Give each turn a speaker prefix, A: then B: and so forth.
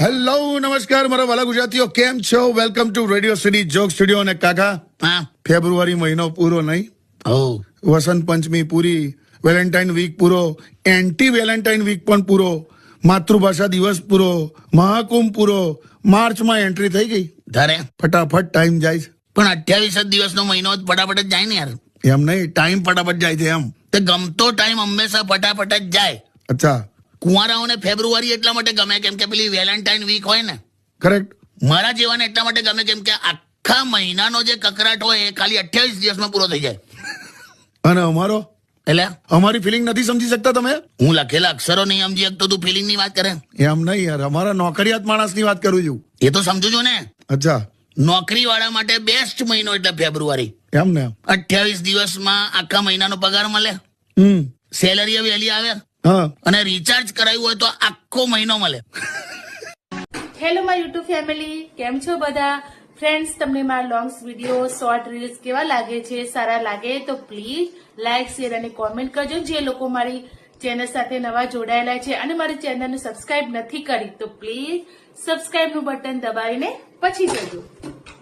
A: Hello નમસ્કાર મારા વાલા ગુજરાતીઓ, કેમ છો? Welcome to radio city joke studio. અને કાકા,
B: હા
A: ફેબ્રુઆરી મહિનો પૂરો નહીં, વસંત પંચમી પૂરી, વેલેન્ટાઇન વીક પૂરો, એન્ટી વેલેન્ટાઇન વીક પણ પૂરો, માતૃભાષા દિવસ પૂરો, મહાકુંભ પૂરો, માર્ચમાં એન્ટ્રી થઈ ગઈ.
B: ધારે
A: ફટાફટ ટાઈમ જાય છે.
B: પણ 28 દિવસનો મહિનો જ ફટાફટ જ જાય ને યાર.
A: એમ નહીં, ટાઈમ ફટાફટ જાય છે એમ.
B: તે ગમતો ટાઈમ હંમેશા ફટાફટ જ જાય.
A: અચ્છા,
B: કુંવારાઓને ફેબ્રુઆરી એટલા માટે ગમે કેમ કે પેલી વેલેન્ટાઇન વીક હોય ને.
A: કરેક્ટ.
B: મારા જેવાને એટલા માટે ગમે કેમ કે આખા મહિનાનો જે કકરાટ હોય એ ખાલી 28 દિવસમાં પૂરો થઈ જાય.
A: અને અમારો,
B: એટલે
A: અમારી ફિલિંગ નથી સમજી શકતા તમે?
B: હું લખેલા અક્ષરો નહીં સમજી શકતો, તું ફિલિંગ ની વાત કરે.
A: એમ નહીં યાર, અમારા નોકરિયાત માણસની વાત કરું છું.
B: એ તો સમજુ છું ને.
A: અચ્છા,
B: નોકરી વાળા માટે બેસ્ટ મહિનો એટલે ફેબ્રુઆરી.
A: એમ ને?
B: 28 દિવસમાં આખા મહિનાનો પગાર મળે, સેલરી વહેલી આવે,
A: હા,
B: અને રિચાર્જ કરાવ્યું હોય તો આખો મહિનો મળે.
C: હેલો માય યુટ્યુબ ફેમિલી, કેમ છો બધા ફ્રેન્ડ્સ? તમને મારા લોંગ્સ વિડીયો, શોર્ટ રીલ્સ કેવા લાગે છે? સારા લાગે તો પ્લીઝ લાઇક, શેર અને કોમેન્ટ કરજો. જે લોકો મારી ચેનલ સાથે નવા જોડાયેલા છે અને મારી ચેનલને સબસ્ક્રાઇબ નથી કરી તો પ્લીઝ સબસ્ક્રાઇબનું બટન દબાવીને પછી જજો.